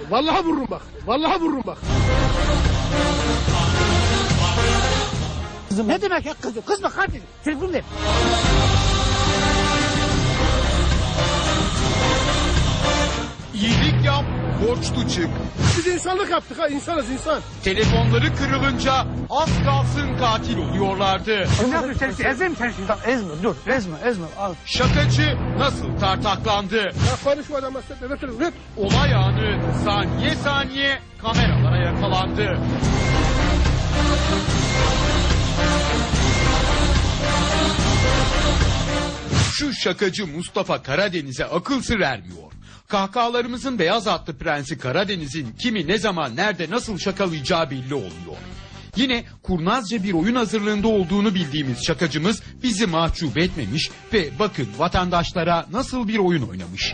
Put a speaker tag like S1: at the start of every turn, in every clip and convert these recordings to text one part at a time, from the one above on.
S1: Vallahi vururum bak. Vallahi vururum bak.
S2: Ne demek ya kızım? Kızma kardeşim. Telefonu ver.
S3: İyilik yap, borçlu çık.
S1: Biz insanlık yaptık ha. İnsanız insan.
S3: Telefonları kırılınca az kalsın katil oluyorlardı.
S2: Ne yapıyorsun sen? Ezme mi sen şimdi?
S4: Ezme dur, ezme al.
S3: Şakacı nasıl tartaklandı?
S1: Ya konuşma adamla sen. Ver.
S3: Olay anı saniye saniye kameralara yakalandı. Şu şakacı Mustafa Karadeniz'e akıl sır ermiyor. Kahkahalarımızın beyaz atlı prensi Karadeniz'in kimi ne zaman nerede nasıl şakalayacağı belli oluyor. Yine kurnazca bir oyun hazırlığında olduğunu bildiğimiz şakacımız bizi mahcup etmemiş ve bakın vatandaşlara nasıl bir oyun oynamış.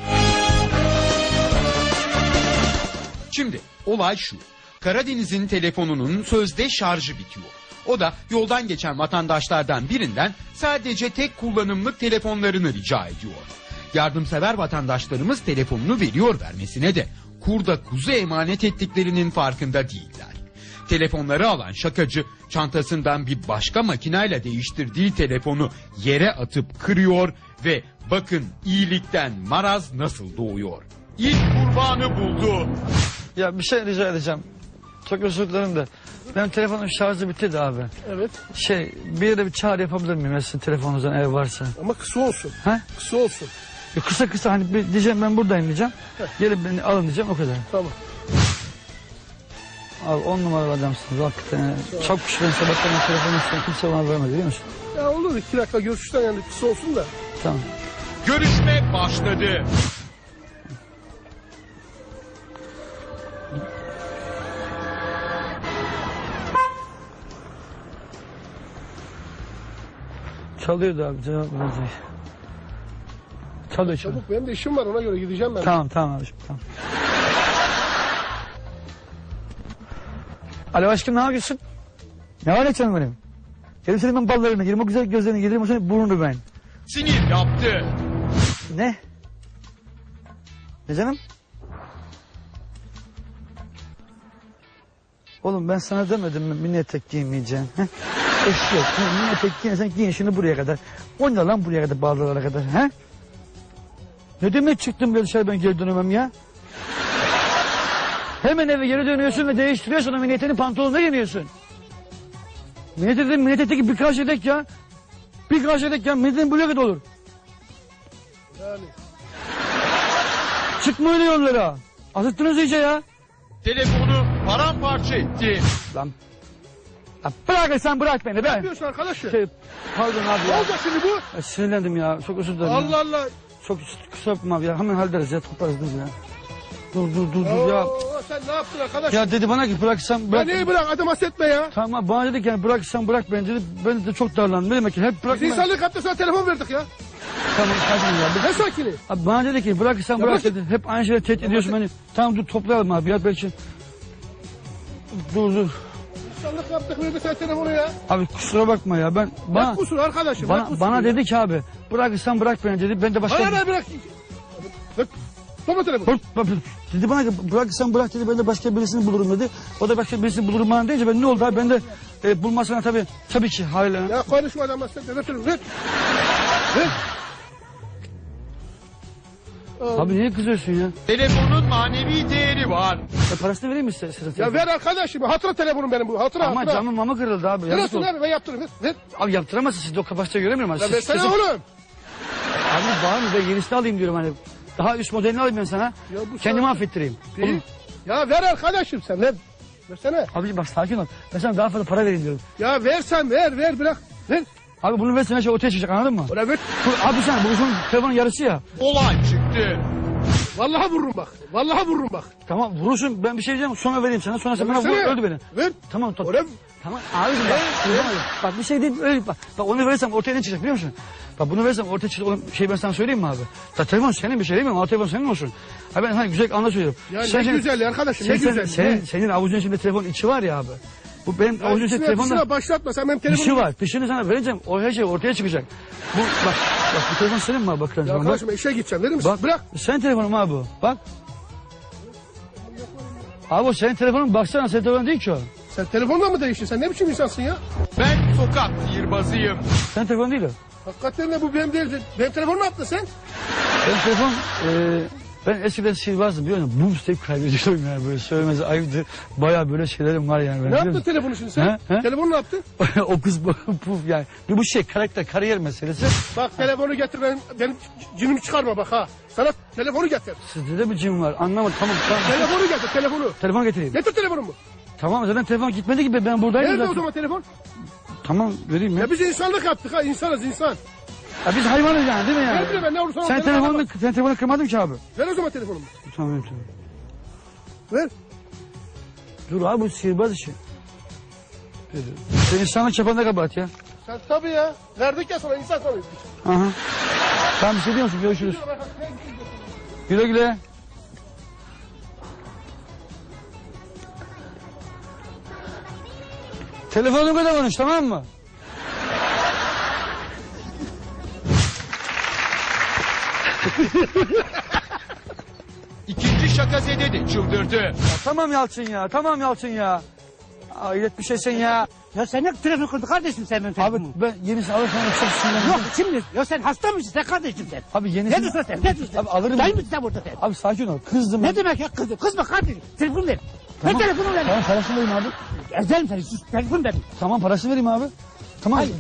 S3: Şimdi olay şu. Karadeniz'in telefonunun sözde şarjı bitiyor. O da yoldan geçen vatandaşlardan birinden sadece tek kullanımlık telefonlarını rica ediyor. Yardımsever vatandaşlarımız telefonunu veriyor vermesine de kurda kuzu emanet ettiklerinin farkında değiller. Telefonları alan şakacı çantasından bir başka makinayla değiştirdiği telefonu yere atıp kırıyor ve bakın iyilikten maraz nasıl doğuyor. İlk kurbanı buldu.
S4: Ya bir şey rica edeceğim. Çok özür dilerim de. Benim telefonun şarjı bitti de abi.
S1: Evet.
S4: Bir yere bir çağrı yapabilir miyim? Sizin telefonunuzdan eğer varsa.
S1: Ama kısa olsun.
S4: He?
S1: Kısa olsun.
S4: Kısa hani diyeceğim ben buradayım diyeceğim. Gelip beni alın diyeceğim o kadar.
S1: Tamam.
S4: Abi 10 numaralı adamsınız hakikaten. Çok şükür sabahtan telefonu istedim. Kimse bana vermedi biliyor musun?
S1: Ya olur 2 dakika görüşten yani kısa olsun da.
S4: Tamam.
S3: Görüşme başladı.
S4: Çalıyordu abi cevap verecek. Çalıyor.
S1: Çabuk benim de işim var ona göre gideceğim ben.
S4: Tamam abi tamam. Alo aşkım ne yapıyorsun? Ne var ne canım benim? Gelin senin ben ballarına gireyim o güzel gözlerine gireyim o senin burnunu ben.
S3: Sinir yaptı.
S4: Ne? Ne canım? Oğlum ben sana demedim mi mini etek giymeyeceksin? Eşek. Mini etek giyersen giyin şunu buraya kadar. O ne lan buraya kadar bağlılara kadar? He? Ne demek çıktım böyle dışarı ben geri dönemem ya? Hemen eve geri dönüyorsun ve değiştiriyorsun o mini eteğini pantolonuna giyiniyorsun. Mini etekteki birkaç yedek ya. Birkaç yedek ya. Mini eteğin buraya kadar olur.
S1: Yani.
S4: Çıkma öyle yollara. Azıttınız iyice ya.
S3: Telefonu paramparça etti.
S4: Lan. Ya bırak sen bırak beni
S1: Ne
S4: be.
S1: yapıyorsun arkadaşım?
S4: Pardon abi
S1: Ne
S4: ya.
S1: olacak şimdi bu?
S4: Sinirlendim ya. Çok özür dilerim.
S1: Allah Allah.
S4: Çok kusura bakma abi ya. Hemen hallederiz ya. Toplarız biz ya. Dur ya.
S1: Oo, sen ne yaptın arkadaşım?
S4: Ya dedi bana ki bıraksam bırak.
S1: Ya neyi bırak adam hasretme ya.
S4: Tamam bana dedi ki yani bıraksam bırak beni dedi. Ben de çok darlandım. Ne demek ki hep
S1: Biz
S4: bırakma.
S1: insanlık yaptık sana telefon verdik ya.
S4: Tamam sakin ya.
S1: Ne sakini?
S4: Abi bana dedi ki bırakırsan
S1: Ya
S4: bırak
S1: bırak-
S4: dedi. Hep aynı şeyleri tehdit ediyorsun beni. Tamam dur toplayalım abi ya belki. Dur.
S1: İnsanlık yaptık verdik sana telefonu ya.
S4: Abi kusura bakma ya ben
S1: Bak kusur arkadaşım. bak kusur
S4: bana
S1: ya.
S4: dedi ki abi bırakırsan bırak beni dedi. Ben de başka...
S1: Bana ne bırak. Bak. Topla telefonu.
S4: Dedi bana ki bırakırsan bırak dedi ben de başka birisini bulurum dedi. O da başka birisini bulurum bana deyince ben ne oldu abi ben de bulmasına tabii ki hala.
S1: Ya konuşma adam hasretme. Ver telefonu. Ver.
S4: Abi niye kızıyorsun ya?
S3: Telefonun manevi değeri var.
S4: Parasını vereyim mi size?
S1: Ya ver arkadaşım. Hatıra telefonum benim bu. Hatıra.
S4: Ama camın mama kırıldı abi. Yazık
S1: Neresi
S4: oldu.
S1: ver ben yaptırırım. Ver.
S4: Abi yaptıramazsın siz de o kapasite göremiyorum.
S1: Ya versene oğlum.
S4: Abi bağırma ben yenisini alayım diyorum hani. Daha üst modelini alayım ben sana.
S1: Ya bu
S4: Kendimi
S1: sana-
S4: affettireyim.
S1: Değil. Ya ver arkadaşım sen ver. Versene.
S4: Abi bak sakin ol. Ben sana daha fazla para vereyim diyorum.
S1: Ya versen ver bırak. Ver.
S4: Abi bunu versen her şey ortaya çıkacak anladın mı?
S1: Buna ver.
S4: Abi sen bu şunun telefonun yarısı ya.
S3: Olay çıktı.
S1: Vallahi vururum bak. Vallahi vururum bak.
S4: Tamam vurursun ben bir şey diyeceğim sonra vereyim sana sonra sen bana vur
S1: Versene.
S4: öldü beni.
S1: Ver.
S4: Tamam tamam.
S1: Oraya
S4: Tamam abicim bak. Bak bir şey değil öyle bak. Bak onu verirsem ortaya ne çıkacak biliyor musun? Bak bunu verirsem ortaya çıkacak olan şey ben sana söyleyeyim mi abi? Ya telefon senin bir şey değil mi? Ama telefon senin olsun. Ha ben hani güzel anlatıyorum.
S1: Ya ne güzel arkadaşım ne güzel.
S4: Senin avucun içinde telefon içi var ya abi. Bu benim avucun içinde telefonda
S1: Dışına başlatma sen benim telefonumu.
S4: dişi var. Dişini sana vereceğim. O her şey ortaya çıkacak. Bak bu telefon senin mi abi? Bak.
S1: Ya
S4: Bak.
S1: arkadaşım işe gideceğim verir misin?
S4: Bak.
S1: Bırak.
S4: Sen telefonum abi bu. Bak. Abi o senin telefonun baksana senin telefonun değil ki o.
S1: Sen telefonla mı değiştin? Sen ne biçim insansın ya?
S3: Ben sokak sihirbazıyım.
S4: Senin telefonun değil o.
S1: Hakikaten de bu benim değil. Benim telefonu ne yaptın sen?
S4: Benim telefon ben eskiden sihirbazdım biliyor musun? Bum tek kaybediyorum yani böyle söylemesi ayıptı. Baya böyle şeylerim var yani.
S1: Ne yaptın telefonu şimdi sen?
S4: He?
S1: Telefonu ne yaptın?
S4: O kız puf yani. Bu şey karakter kariyer meselesi.
S1: Bak telefonu getir benim cinimi çıkarma bak ha. Sana telefonu getir.
S4: Sizde de bir cin var anlamadım tamam.
S1: Telefonu getir telefonu.
S4: Telefon getireyim.
S1: Getir telefonumu.
S4: Tamam zaten telefon gitmedi gibi ben buradayım.
S1: Nerede
S4: zaten.
S1: o zaman telefon?
S4: Tamam vereyim ya.
S1: Ya biz insanlık yaptık ha insanız insan.
S4: Ya biz hayvanız yani değil mi yani?
S1: Ne bileyim ben ne olursa
S4: Sen telefonu kırmadın ki abi.
S1: Ver o zaman telefonumu.
S4: Tamam tamam.
S1: Ver.
S4: Dur abi bu sihirbaz işi. Sen insanlık çapanda kabahat ya.
S1: Sen tabii ya. Verdik ya sana insan sanıyorsun.
S4: Aha. Tamam bir şey diyor musun? Görüşürüz. Güle güle. Telefonuma da konuş tamam mı?
S3: İkinci şakazede de çıldırdı.
S4: Ya tamam Yalçın ya. Tamam Yalçın ya. Hayret bir şeysin ya.
S2: Ya sen ne telefon kırdın kardeşim sen benim
S4: Abi
S2: telefonumu?
S4: ben yenisini alırsan çok sinirlendim.
S2: Yok şimdi. Ya sen hasta mısın sen kardeşim sen?
S4: Abi
S2: Ne
S4: yenisini...
S2: diyorsun sen? Ne diyorsun sen?
S4: Abi alırım.
S2: Dayı mısın sen burada sen?
S4: Abi sakin ol. Kızdım.
S2: Ne demek ya kızım? Kızma kardeşim. Telefonu ver.
S4: Tamam.
S2: Ver telefonu ver.
S4: Tamam parasını vereyim abi.
S2: Ezelim seni. Sus. Telefonu ver.
S4: Tamam parasını vereyim abi. Tamam.
S2: Hayır.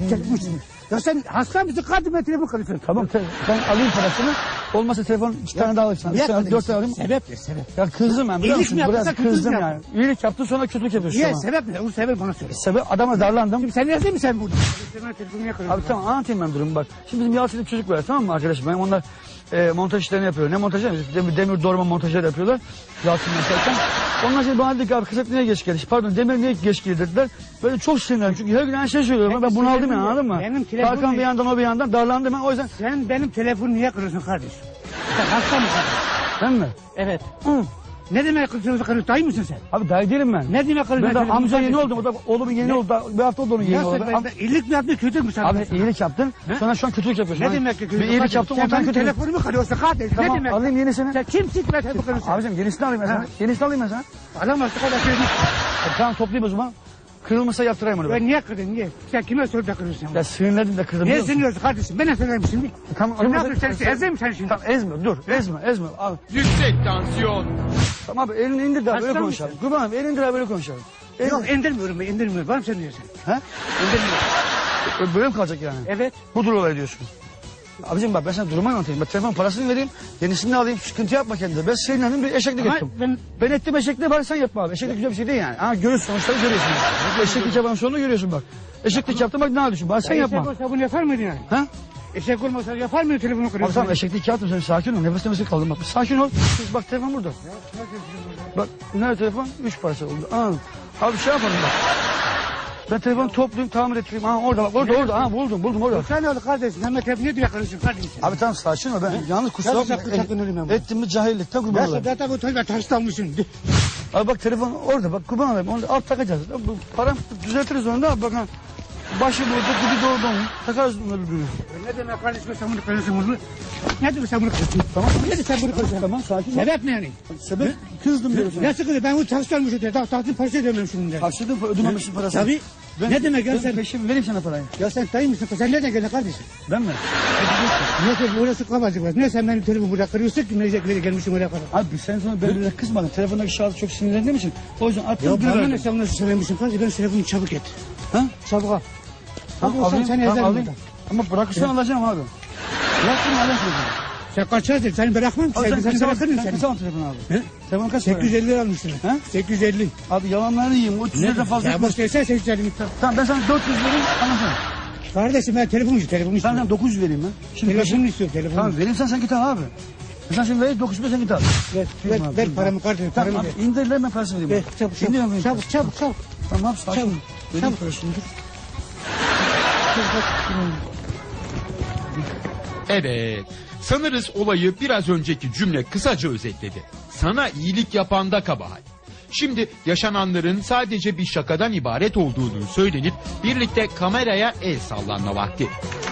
S2: Ya sen hasta mısın kardeşim ben telefon kırıyorsun.
S4: Tamam ben alayım parasını. Olmasa telefon 2 tane daha alayım sana. 3 tane 4 tane alayım.
S2: Sebep ne sebep?
S4: Ya kızdım ben biliyor
S2: İyilik
S4: musun?
S2: mi yaptın,
S4: Biraz
S2: sen kötülük
S4: kızdım
S2: mü
S4: yani. İyilik yaptın sonra kötülük yapıyorsun.
S2: Niye
S4: ama.
S2: sebep ne? O sebep bana söyle.
S4: Sebep adama darlandım.
S2: Şimdi sen yazayım mı sen burada? Sen telefonu yakalıyorsun.
S4: Abi tamam anlatayım ben durumu bak. Şimdi bizim Yalçın'da bir çocuk var tamam mı arkadaşım? Benim onlar montaj işlerini yapıyor. Ne montajı? Demir doğrama montajları yapıyorlar. Yalçın mesela. Onlar şimdi bana dedi ki abi kaset niye geç geldi? Pardon Demir niye geç geldi dediler. Böyle çok sinirlendim çünkü her gün aynı şey söylüyorum. Ben bunu aldım yani anladın mı?
S2: Benim telefonum-
S4: Tarkan bir yandan o bir yandan darlandım ben o yüzden.
S2: Sen benim telefonu niye kırıyorsun kardeşim? Sen hasta mısın?
S4: Ben mi?
S2: Evet.
S4: Hı.
S2: Ne demek kırıyorsun? Dayı mısın sen?
S4: Abi dayı değilim ben.
S2: Ne demek kırıyorsun?
S4: Ben de amca yeni oldum. O da oğlumun yeni oldu. Bir hafta oldu onun yeni
S2: Ya
S4: oldu.
S2: sen ben iyilik mi yaptın kötü mü sen?
S4: Abi iyilik yaptın. Sonra şu an kötülük yapıyorsun.
S2: Ne demek ki kötü?
S4: Bir iyilik yaptım
S2: Sen
S4: ondan
S2: benim
S4: kötülük.
S2: telefonumu kırıyorsun kardeşim.
S4: Tamam
S2: Ne demek?
S4: alayım yenisini.
S2: Sen kimsin ki ben telefonu kırıyorsun?
S4: Abicim yenisini alayım ben sana.
S2: Ha.
S4: Yenisini alayım ben sana.
S2: Alamazsın kardeşim.
S4: Tamam toplayayım o zaman. Kırılmasa yaptırayım onu ben.
S2: Ben niye kırdın niye? Sen kime sorup da kırıyorsun?
S4: Ya sinirlendim de kırdım.
S2: Niye
S4: biliyor musun?
S2: sinirliyorsun kardeşim? Ben ne söyleyeyim şimdi?
S4: Tamam
S2: Sen ne
S4: alayım.
S2: yapıyorsun sen? Ezeyim seni şimdi.
S4: Tamam ezme dur ezme abi.
S3: Yüksek tansiyon.
S4: Tamam abi elini indir daha böyle
S2: Hasta
S4: konuşalım. Kurban abi elini indir daha böyle konuşalım.
S2: Yok indirmiyorum ben indirmiyorum. Var mı sen diyorsun?
S4: He?
S2: İndirmiyorum.
S4: Böyle mi kalacak yani?
S2: Evet.
S4: Budur olay diyorsun. Abicim bak ben sana durumu anlatayım. Ben telefon parasını vereyim. Yenisini alayım. Sıkıntı yapma kendine. Ben sinirlendim bir eşeklik
S2: Ama
S4: ettim. Ben ettim eşekliği bari sen yapma abi. Eşeklik güzel bir şey değil yani. Ha görüyorsun sonuçları görüyorsun. Eşeklik yapan sonunu görüyorsun bak. Eşeklik yaptım bak ne yapıyorsun? Bari sen
S2: Eşek
S4: yapma.
S2: olsa bunu yapar mıydın yani?
S4: Ha?
S2: Eşek olmasa yapar mıydın telefonu
S4: Abi
S2: kırıyorsun?
S4: tamam eşeklik yaptım sen sakin ol. Nefes nefese kaldım bak. Bir sakin ol. Bak telefon burada. Bak nerede telefon? 3 parça oldu. Abi şey yapalım bak. Ben telefonu toplayayım tamir ettireyim. Ha orada bak orada. Ha buldum orada.
S2: Sen ne oldu kardeşim? Hemen telefonu diye kırıyorsun kardeşim.
S4: Abi tamam sakin ol ben yalnız kusura bakma.
S2: Sakın ölüm ama.
S4: Ettim mi cahillikten kurban
S2: Ben
S4: olayım.
S2: zaten bu tarafa taşlanmışsın.
S4: Abi bak telefon orada bak kurban olayım. Onu alt takacağız. Bu param düzeltiriz onu da bak ha. Başı burada dibi doğru takarız bunları diyor.
S2: Ne demek kardeşim sen bunu kırıyorsun bunu? Ne demek sen bunu kırıyorsun?
S4: Tamam.
S2: Ne demek sen bunu kırıyorsun?
S4: Tamam sakin ol.
S2: Sebep ne yani?
S4: Sebep kızdım diyorsun.
S2: Ne sıkıntı? Ben bunu taşlanmışım diye. Tahtın parası ödemem şimdi.
S4: Harçladın ödememişsin parasını.
S2: Tabii. Ne demek ya sen?
S4: Peşin vereyim sana parayı.
S2: Ya sen dayı mısın? Sen nereden geldin kardeşim?
S4: Ben mi?
S2: Niye ki orası kavacık var? Niye sen benim telefonumu buraya kırıyorsun ki? Nereye gelmişim oraya kadar?
S4: Abi sen sonra ben böyle kızmadın. Telefondaki şahıs çok sinirlendiğim için. O yüzden
S2: Ya
S4: attım
S2: bana
S4: bir
S2: ne sen nasıl söylemişsin kardeşim? Ben telefonu çabuk et.
S4: Ha?
S2: Çabuk al.
S4: Tamam
S2: Çabuk
S4: alayım.
S2: seni
S4: Tamam
S2: ezerim
S4: alayım.
S2: burada.
S4: Ama bırakırsan alacağım abi. Bırakırsan alacağım.
S2: Sen kaç lira? Seni bırakmam ki.
S4: Abi
S2: Seni
S4: sen
S2: bırakırım
S4: kaç
S2: seni.
S4: zaman telefon abi?
S2: He?
S4: Telefon kaç para?
S2: 850 lira almışsın.
S4: Ha?
S2: 850.
S4: Abi yalanlarını yiyeyim. O 300 liradan fazla
S2: Ya
S4: etmez.
S2: boş versen 850 miktar.
S4: Tamam ben sana 400 vereyim anlasana.
S2: Kardeşim ben telefonu
S4: Ben
S2: istiyorum.
S4: sana 900 vereyim ben. Şimdi
S2: Telefonu istiyorum telefonu.
S4: Tamam vereyim sen git al abi. Sen şimdi ver 900 sen git al.
S2: Ver,
S4: Tamam abi,
S2: ver
S4: tamam.
S2: paramı kardeşim
S4: Tamam
S2: paramı ver.
S4: abi indir lan ben parasını vereyim.
S2: Ver çabuk
S4: İndir
S2: çabuk
S4: ben
S2: çabuk çabuk çabuk.
S4: Tamam abi sakin ol.
S2: Çabuk,
S4: Vereyim
S2: çabuk.
S4: parasını dur.
S3: Evet. Sanırız olayı biraz önceki cümle kısaca özetledi. Sana iyilik yapanda kabahat. Şimdi yaşananların sadece bir şakadan ibaret olduğunu söylenip birlikte kameraya el sallanma vakti.